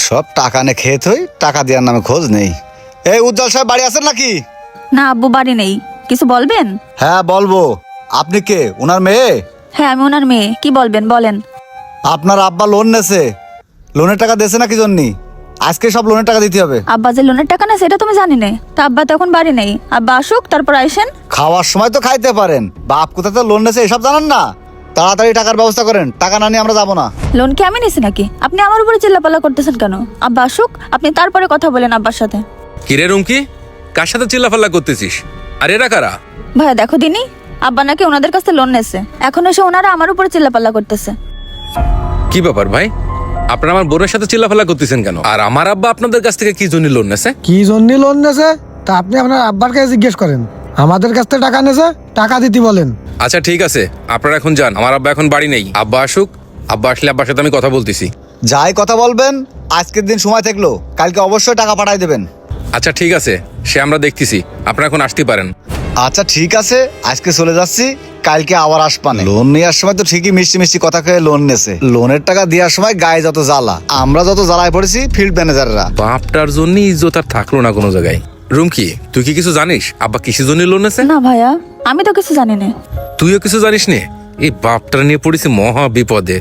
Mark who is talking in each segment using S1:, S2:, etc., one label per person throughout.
S1: সব টাকা নে খেয়ে থই, টাকা দেওয়ার নামে খোঁজ নেই। এই উজ্জ্বল সাহেব বাড়ি আছেন নাকি?
S2: না আব্বু বাড়ি নেই, কিছু বলবেন?
S1: হ্যাঁ বলবো। আপনি কে, ওনার মেয়ে?
S2: হ্যাঁ আমি ওনার মেয়ে, কি বলবেন বলেন।
S1: আপনার আব্বা লোন নেছে, লোনের টাকা দিয়েছে না কি জন্যি? আজকে সব লোনের টাকা দিতে হবে।
S2: আব্বা যে লোনের টাকা না সেটা তুমি জানি না, তা আব্বা তো এখন বাড়ি নেই, আব্বা আসুক তারপর আইসেন।
S1: খাওয়ার সময় তো খাইতে পারেন, বাপ কোথা থেকে লোন নেছে এসব জানেন না? তাড়াতাড়ি টাকার ব্যবস্থা করেন, টাকা না নিয়ে আমরা যাবো না।
S2: লোন কি আমি নিছি নাকি? আপনি আমার উপরে চিল্লাপাল্লা করতেছেন কেন? আব্বা আসুক, আপনি তারপরে কথা বলেন আব্বার সাথে।
S3: কিরে রুমকি, কার সাথে চিল্লাফাল্লা করতেছিস? আর এরা কারা?
S2: ভাইয়া দেখো দিনি, আব্বা নাকি ওনাদের কাছে লোন নেছে, এখন এসে ওনারা আমার উপরে চিল্লাপাল্লা করতেছে।
S3: কি ব্যাপার ভাই, আপনারা আমার বোনের সাথে চিল্লাফাল্লা করতেছেন কেন? আর আমার আব্বা আপনাদের কাছ থেকে কি জন্য লোন নেছে?
S4: কি জন্য লোন নেছে তা আপনি আপনার আব্বার কাছে জিজ্ঞেস করেন। আমাদের কাছ থেকে টাকা নেছে, টাকা দিতে বলেন।
S3: আচ্ছা ঠিক আছে, আপনারা এখন যান, আমার আব্বা এখন বাড়ি নেই। আব্বা আসুক, আব্বা আসলে আব্বার সাথে আমি কথা বলতেছি।
S1: যাই কথা বলবেন, আজকের দিন সময় থাকলো, কালকে অবশ্যই টাকা পাঠাই দেবেন।
S3: আচ্ছা ঠিক আছে, সে আমরা দেখতেছি, আপনারা এখন আসতে পারেন।
S1: আচ্ছা ঠিক আছে, আজকে চলে যাচ্ছি, কালকে আবার আসবানে। লোন নেওয়ার সময় তো ঠিকই মিষ্টি মিষ্টি কথা কয়ে লোন নেছে, লোনের টাকা দেওয়ার সময় গায়ে যত জ্বালা, আমরা যত জ্বালায় পড়েছি ফিল্ড ম্যানেজাররা।
S3: বাপটার জন্য ইজ্জত আর থাকলো না কোনো জায়গায়। রুমকি, তুই কি কিছু জানিস আব্বা কিসের জন্য লোন নেছে?
S2: না ভাইয়া, আমি তো কিছু জানি না।
S3: তুইও কিছু জানিস নে? এই বাপটার নিয়ে পড়েছি মহা বিপদে।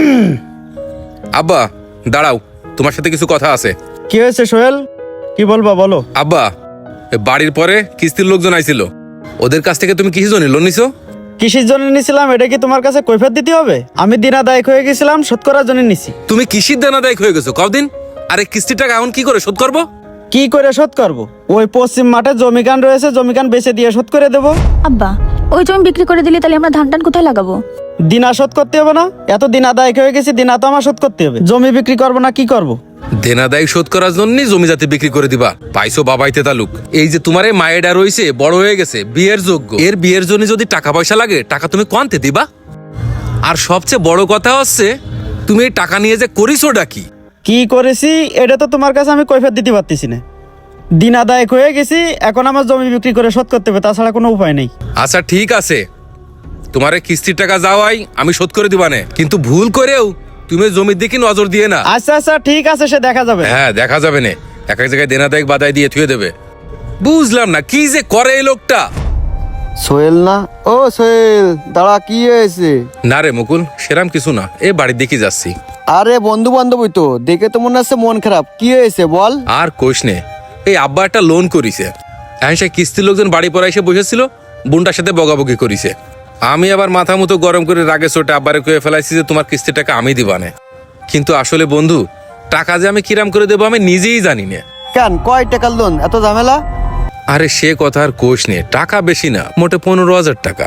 S3: আব্বা দাঁড়াও, তোমার সাথে কিছু কথা আছে।
S5: কি হয়েছে সোহেল, কি বলবা বলো।
S3: আব্বা, এ বাড়ির পরে কিস্তির লোকজন আইছিল, ওদের কাছ থেকে তুমি কিসের জন্য লোন নিছো?
S5: কিসের জন্য নিছিলাম এটা কি তোমার কাছে কৈফিয়ত দিতে হবে? আমি দিনাদায়ক হয়ে গেছিলাম, শোধ করার জন্য নিছি।
S3: তুমি কিসির দানাদায়ক হয়ে গেছো কদিন? আরে কিস্তির টাকা এখন কি করে শোধ করবো?
S5: কি করে শোধ করব? ওই পশ্চিম মাঠে জমিকান রয়েছে, জমিকান বেচে দিয়ে শোধ করে দেবো।
S2: আব্বা ওই জমি বিক্রি করে দিলে তাহলে আমরা ধান টান কোথায় লাগাবো?
S5: দিনা শোধ করতে হবে না? এত দিনাদায়ক হয়ে গেছি, দিনা তো আমার শোধ করতে হবে। জমি বিক্রি করবো না কি করব?
S3: দেনাদায়ক শোধ করার জন্যই জমি জাতি বিক্রি করে দিবা? পাইছো বাবাইতে তালুক। এই যে তোমার এই মায়েরা রয়েছে, বড় হয়ে গেছে, বিয়ের যোগ্য, এর বিয়ের জন্য যদি টাকা পয়সা লাগে, টাকা তুমি কোয়ান্তে দিবা? আর সবচেয়ে বড় কথা হচ্ছে, তুমি এই টাকা নিয়ে যে করিছোটা কি?
S5: কি করেছি এটা তো তোমার কাছে আমি কৈফিয়ত দিতে পারতেছি না। দিনাদায়ক হয়ে গেছি, এখন আমার জমি বিক্রি করে শোধ করতে হবে, তাছাড়া কোনো উপায় নেই।
S3: আচ্ছা ঠিক আছে, তোমার এই কিস্তির টাকা যাওয়াই আমি শোধ করে দিবানে, কিন্তু ভুল করেও তুমি জমির দিকে নজর দিয়ে না।
S5: আচ্ছা আচ্ছা ঠিক আছে, সে দেখা যাবে।
S3: হ্যাঁ দেখা যাবে না, এক এক জায়গায় দেনাদায়ক বাদায় দিয়ে থুয়ে দেবে। বুঝলাম না কি যে করে এই লোকটা।
S6: সোহেল না? ও সোহেল, দাঁড়া, কি হয়েছে?
S3: না রে মুকুল, সেরাম কিছু না, এ বাড়ির দিকে যাচ্ছি।
S6: আরে বন্ধু বান্ধবই তো, দেখে তো মনে হচ্ছে মন খারাপ। কি হয়েছে বল।
S3: আর কোষ নে, এই আব্বা একটা লোন করিছে, এখন সে কিস্তির লোকজন বাড়ি পরে এসে বসেছিল, বোনটার সাথে বগাবগি করিছে। আমি আবার মাথা মতো গরম করে রাগে চোটে আব্বারে কয়ে ফেলাইছি যে তোমার কিস্তির টাকা আমি দিবানে। কিন্তু আসলে বন্ধু, টাকা যে আমি কিরাম করে দেবো আমি নিজেই জানি না।
S6: কেন, কয় টাকার লোন, এত ঝামেলা?
S3: আরে সে কথা আর কোষ নে, টাকা বেশি না, মোটে 15,000 টাকা।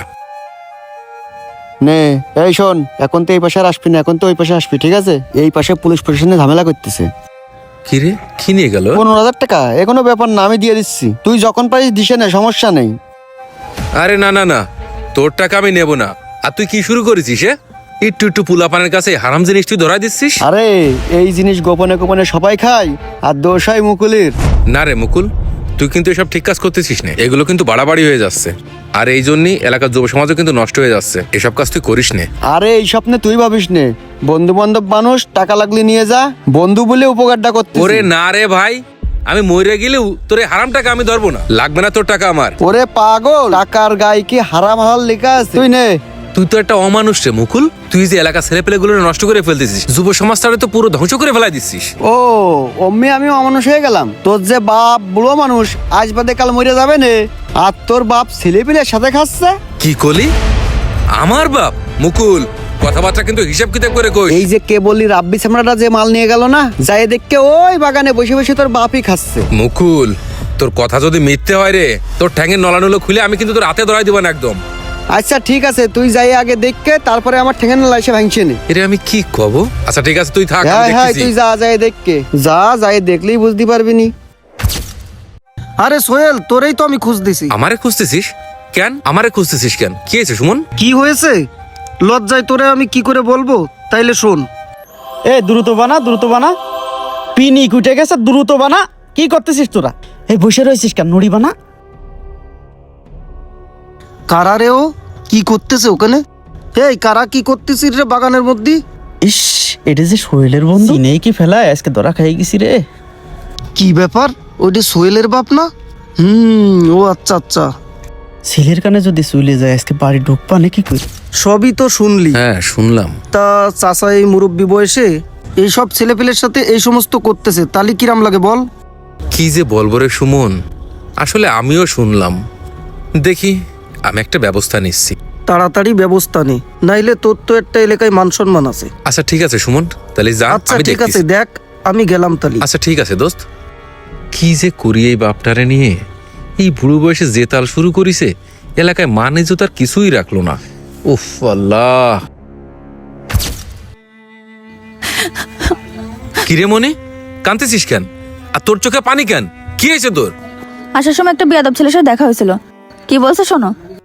S6: নে এই শোন, এখন তো এই পাশে আর আসবি না, এখন তো ওই পাশে আসবি, ঠিক আছে? এই পাশে পুলিশ প্রশাসনে ঝামেলা করতেছে।
S3: কি রে, কি নিয়ে গেল?
S6: 15,000 টাকা, এখনো ব্যাপার না, আমি দিয়ে দিচ্ছি, তুই যখন পারিস দিশে নে, সমস্যা নেই।
S3: আরে না না না, তোর টাকা আমি নেব না। আর তুই কি শুরু করেছিস? একটু একটু পুলাপানের কাছে হারাম জিনিস তুই ধরা দিচ্ছিস।
S6: আরে এই জিনিস গোপনে গোপনে সবাই খায়, আর দোষ হয় মুকুলের।
S3: না রে মুকুল, তুই কিন্তু এসব ঠিক কাজ করতেছিস না, এগুলো কিন্তু বাড়াবাড়ি হয়ে যাচ্ছে। আর এই জন্যই এলাকার যুব সমাজও কিন্তু নষ্ট হয়ে যাচ্ছে, এসব কাজ তুই করিস নে।
S6: আরে এই স্বপ্নে তুই ভাবিস নে, বন্ধু বান্ধব মানুষ, টাকা লাগলে নিয়ে যা, বন্ধু বলে উপকারটা করতে।
S3: ওরে না রে ভাই, আমি মরে গেলেও তোর এই হারাম টাকা আমি ধরবো না, লাগবে না তোর টাকা আমার।
S6: ওরে পাগল, টাকার গায়ে কি হারাম হালাল লেখা আছে? তুই নে।
S3: তুই তো একটা অমানুষ রে মুকুল, তুই যে এলাকা ছেলে পেলে গুলো নষ্ট করে ফেলতেছিস, যুব সমাজটারে তো পুরো ধ্বংস করে ফেলাই দিচ্ছিস।
S6: ও অম্মি, আমি অমানুষ হয়ে গেলাম? তোর যে বাপ বুড়ো মানুষ, আজ বাদে কাল মরে যাবে নে, আর তোর বাপ ছেলে পিলের সাথে খাচ্ছে।
S3: কি করলি? আমার বাপ? মুকুল, কথাবার্তা কিন্তু হিসাব কিতাব করে কই।
S6: এই যে কে বললি রাব্বি চামড়াটা যে মাল নিয়ে গেল না, যাই দেখকে ওই বাগানে বসে বসে তোর বাপই খাচ্ছে।
S3: মুকুল, তোর কথা যদি মিথ্যে হয় রে, তোর ঠ্যাঙের নলানুলো খুলে আমি কিন্তু তোর হাতে ধরাই দিব না একদম।
S6: আচ্ছা ঠিক আছে, তুই যাই আগে দেখকে, তারপরে আমার ঠেঙে না লাইসে ভাঙছে নে।
S3: এরে আমি কি কব? আচ্ছা ঠিক আছে, তুই থাক, আমি
S6: হ্যাঁ হ্যাঁ,
S3: দেখতেছি।
S6: তুই যা, যাই দেখকে যা, যাই দেখলেই বুঝতে পারবি নি।
S4: আরে সোহেল, তোরেই তো আমি খুঁজ দিছি।
S3: আমারে খুঁজতেছিস কেন? আমারে খুঁজতেছিস কেন? কি হয়েছে সুমন?
S4: কি হয়েছে? লজ্জায় তোরে আমি কি করে বলবো, তাইলে শোন।
S5: এ দ্রুত বানা, দ্রুত বানা, পিনি উঠে গেছে, দ্রুত বানা। কি করতেছিস তোরা? এই বসে রয়েছিস কেন? নুড়ি বানা।
S4: কারা রে ও, কি করতেছে ওখানে? এই কারা কি করতেছিস রে বাগানের মধ্যে?
S5: ইস, এটা যে সোহেলের বন্ধু নেই কি ফেলায় আজকে ধরা খাই গেছি রে।
S7: কি ব্যাপার, ওইটা সোহেলের বাপ না? ও আচ্ছা আচ্ছা,
S5: ছেলের কানে যদি চলে যায় আজকে বাড়ি ঢুকবা নাকি কই?
S7: সবই তো শুনলি।
S3: হ্যাঁ শুনলাম।
S7: তা চাচা এই মুরব্বী বয়সে এইসব ছেলেপেলের সাথে এই সমস্ত করতেছে, তালি কিরাম লাগে বল?
S3: কি যে বলবো রে সুমন, আসলে আমিও শুনলাম। দেখি আমি একটা ব্যবস্থা নিচ্ছি।
S7: তাড়াতাড়ি ব্যবস্থা নে, নাইলে তোর তো একটা এলাকায় মান সম্মান আছে।
S3: আচ্ছা ঠিক আছে সুমন, তাহলে যা,
S7: আচ্ছা
S3: আমি
S7: ঠিক আছে,
S3: দেখতেছি।
S7: দেখ আমি গেলাম তালি।
S3: আচ্ছা ঠিক আছে দোস্ত। কি যে করি এই বাপটারে নিয়ে, এই বুড়ো বয়সে যে তাল শুরু করিছে, এলাকায় মান ইজ্জত আর কিছুই রাখলো না। উফ আল্লাহ। কিরে মনে কাঁদতেছিস কেন? আর তোর চোখে পানি কেন? কি হয়েছে তোর?
S2: আসার সময় একটা বিয়াদব ছেলের সাথে দেখা হয়েছিল। কি বলছে শোনো।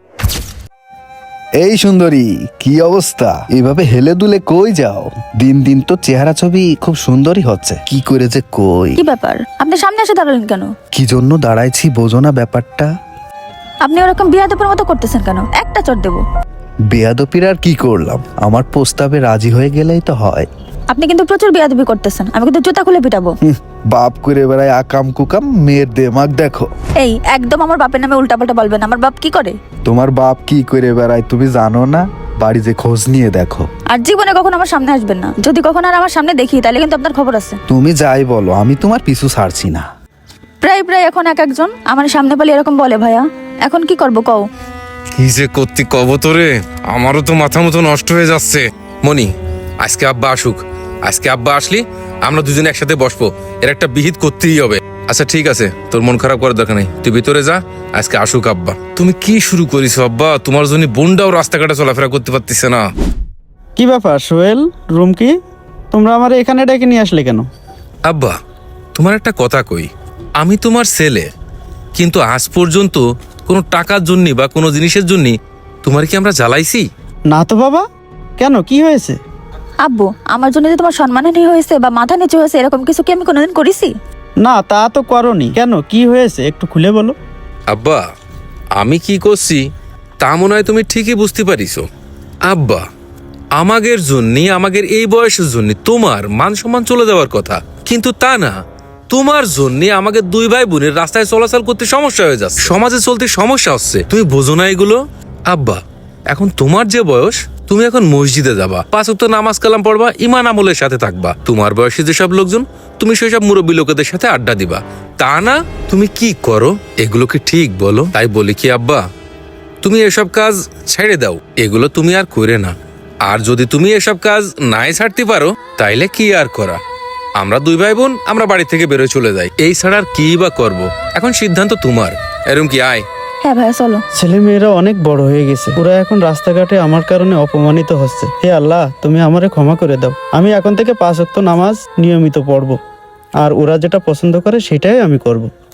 S8: এই সুন্দরী, কি অবস্থা? এভাবে হেলে দুলে কই যাও? দিন দিন তো চেহারা ছবি খুব সুন্দরই হচ্ছে, কি করে যে কই।
S2: কি ব্যাপার, আপনি সামনে এসে দাঁড়ালেন কেন?
S8: কি জন্য দাঁড়াইছি বোঝো না ব্যাপারটা?
S2: আপনি ওরকম বিয়াদবের মতো করতেছেন কেন? একটা চট দেবো।
S8: বেয়াদপির আর কি করলাম? আমার প্রস্তাবে রাজি হয়ে গেলেই তো হয়।
S2: আপনি কিন্তু প্রচুর বিয়াদবি করতেছেন, আমি কিন্তু জুতা খুলে পিটাবো।
S8: বাপ করে বেড়ায় আকাম কুকাম, মেয়ের দেমাগ দেখো।
S2: এই একদম আমার বাপের নামে উল্টাপাল্টা বলবেন। আমার বাপ কি করে?
S8: তোমার বাপ কি করে বেড়ায় তুমি জানো না? বাড়ি যে খোঁজ নিয়ে দেখো।
S2: আর জীবনে কখনো আমার সামনে আসবেন না। যদি কখনো আর আমার সামনে দেখি তাহলে কিন্তু আপনার খবর আছে।
S8: তুমি যাই বলো, আমি তোমার পিছু ছাড়ছি না।
S2: প্রায় প্রায় এখন এক একজন আমার সামনে পালি এরকম বলে। ভাইয়া এখন কি করবো কও?
S3: কি যে করতে কব তোরে, আমারও তো মাথা মতো নষ্ট হয়ে যাচ্ছে। মনি, আজকে আব্বা আসুক। আজকে আব্বা আসলি আমরা দুজনে একসাথে বসবো, এর একটা বিহিত করতেই হবে। আচ্ছা ঠিক আছে, তোর মন খারাপ করার দরকার নেই, তুই ভিতরে যা। আজকে আসুক আব্বা। তুমি কি শুরু করিস আব্বা? তোমার জন্য বোনটাও রাস্তাঘাটে চলাফেরা করতে পারতেছে না।
S5: কি ব্যাপার সোহেল, রুম কি? তোমরা আমার এখানে ডেকে নিয়ে আসলে কেন?
S3: আব্বা তোমার একটা কথা কই, আমি তোমার ছেলে, কিন্তু আজ পর্যন্ত কোনো টাকার জন্য বা কোনো জিনিসের জন্য তোমার কি আমরা জ্বালাইছি?
S5: না তো বাবা, কেন কি হয়েছে?
S2: আব্বু, আমার জন্য যে তোমার সম্মানহানি হয়েছে বা মাথা নিচু হয়েছে এরকম কিছু কি আমি কোনোদিন করেছি?
S5: না তা তো করনি। কেন কি হয়েছে একটু খুলে বলো।
S3: আব্বা আমি কি করছি তা মনে হয় তুমি ঠিকই বুঝতে পারিছো। আব্বা আমাদের জন্য, আমাদের এই বয়সের জন্য তোমার মান সম্মান চলে যাওয়ার কথা, কিন্তু তা না। তোমার জন্য আমাদের দুই ভাই বোনের রাস্তায় চলাচল করতে সমস্যা হয়ে যাচ্ছে, সমাজে চলতে সমস্যা হচ্ছে। তুমি বোঝো না এগুলো? আব্বা এখন তোমার যে বয়স, তুমি এখন মসজিদে যাবা, 5 ওয়াক্ত নামাজ কালাম পড়বা, ঈমান আমলের সাথে থাকবা। তোমার বয়সী যেসব লোকজন, তুমি সেসব মুরব্বী লোকেদের সাথে আড্ডা দিবা। তা না তুমি কি করো? এগুলো কি ঠিক বলো? তাই বলি কি আব্বা, তুমি এসব কাজ ছেড়ে দাও, এগুলো তুমি আর করে না। আর যদি তুমি এসব কাজ নাই ছাড়তে পারো তাইলে কি আর করা, আমরা দুই ভাই বোন আমরা বাড়ি থেকে বেরোয় চলে যাই। এই ছাড়া আর কি বা করবো? এখন সিদ্ধান্ত তোমার। এরম কি আয়?
S2: হ্যাঁ ভাইয়া চলো।
S5: ছেলে মেয়েরা অনেক বড় হয়ে গেছে, ওরা এখন রাস্তাঘাটে আমার কারণে অপমানিত হচ্ছে। হে আল্লাহ, তুমি আমারে ক্ষমা করে দাও। আমি এখন থেকে 5 ওয়াক্ত নামাজ নিয়মিত পড়বো, আর ওরা যেটা পছন্দ করে সেটাই আমি করব।